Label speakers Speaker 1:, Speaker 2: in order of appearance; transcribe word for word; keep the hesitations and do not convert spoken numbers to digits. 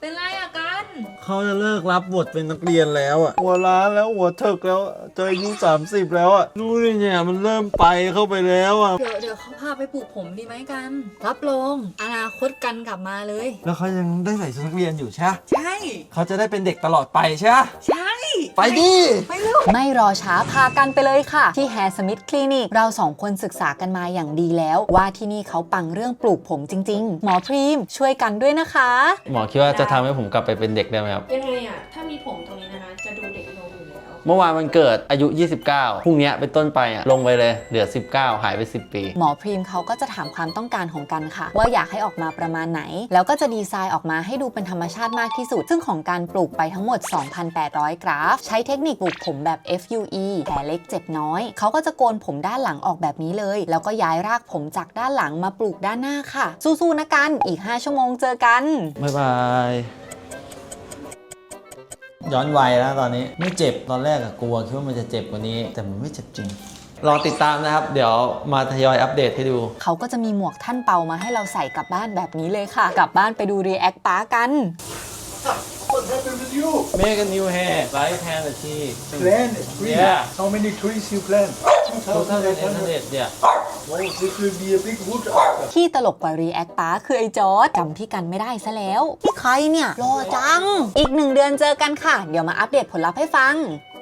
Speaker 1: เป็นไรอะกัน
Speaker 2: เขาจะเลิกรับบทเป็นนักเรียนแล้วอ่ะหัวล้านแล้วหัวเถิกแล้วเจออายุสามสิบแล้วอ่ะนู่นเนี่ยมันเริ่มไปเข้าไปแล้วอ่ะ
Speaker 1: เดี๋ยวเดี๋ยวเขาพาไปปลูกผมดีไหมกัน รับรองอนาคตกันกลับมาเลย
Speaker 2: แล้วเขายังได้ใส่ชุดนักเรียนอยู่ใช่
Speaker 1: ใช่
Speaker 2: เขาจะได้เป็นเด็กตลอดไปใช่
Speaker 1: ใช่
Speaker 2: ไปดิ
Speaker 1: ไปเร็ว
Speaker 3: ไม่รอช้าพากันไปเลยค่ะ ที่ Hair Smith Clinic เราสองคนศึกษากันมาอย่างดีแล้ว ว่าที่นี่เขาปังเรื่องปลูกผมจริงๆ หมอพรีมช่วยกันด้วยนะคะ
Speaker 4: หมอคิดว่าจะทำให้ผมกลับไปเป็นเด็กได้ไหมครับ
Speaker 5: ยังไงอ่ะ ถ้ามีผมตรงนี้นะคะ จะดูเด็กลงอยู่แล้ว
Speaker 4: เมื่อวานมันเกิดอายุ ยี่สิบเก้า พรุ่งนี้เป็นต้นไปอ่ะ ลงไปเลย เหลือ สิบเก้า หายไป สิบ ปี
Speaker 3: หมอพรีมเขาก็จะถามความต้องการของกันค่ะ ว่าอยากให้ออกมาประมาณไหน แล้วก็จะดีไซน์ออกมาให้ดูเป็นธรรมชาติมากที่สุด ซึ่งของการปลูกไปทั้งหมด สองพันแปดร้อย กราฟ ใช้เทคนิคปลูกผมแบบ เอฟ ยู อี แผลเล็กเจ็บน้อย เขาก็จะโกนผมด้านหลังออกแบบนี้เลย แล้วก็ย้ายรากผมจากด้านหลังมาปลูกด้านหน้าค่ะ สู้ๆนะกันอีกห้าชั่วโมงเจอกัน
Speaker 4: บ๊ายบาย
Speaker 2: ย้อนวัยแล้วตอนนี้ไม่เจ็บตอนแรกอะกลัวคิดว่ามันจะเจ็บกว่านี้ แต่มันไม่เจ็บจริง
Speaker 4: รอติดตามนะครับ เดี๋ยวมาทยอยอัปเดตให้ดู
Speaker 3: เขาก็จะมีหมวกท่านเปามาให้เราใส่กลับบ้านแบบนี้เลยค่ะ กลับบ้านไปดูรีแอคป้ากัน
Speaker 6: What happened with you?
Speaker 4: Make a new hair light hair อาชีพ
Speaker 6: Plan a tree.
Speaker 4: Yeah.
Speaker 6: How many trees you plant?
Speaker 4: ทุกท่านเป็นอินเทอร์เน็ตเนี่ย
Speaker 6: Oh, this will be a big wood after.
Speaker 3: ที่ตลกกว่ารีแอคป้าคือไอ้จอร์จจำพี่กันไม่ได้ซะแล้วพี่ใครเนี่ยรอจัง อีกหนึ่งเดือนเจอกันค่ะ เดี๋ยวมาอัปเดตผลลัพธ์ให้ฟัง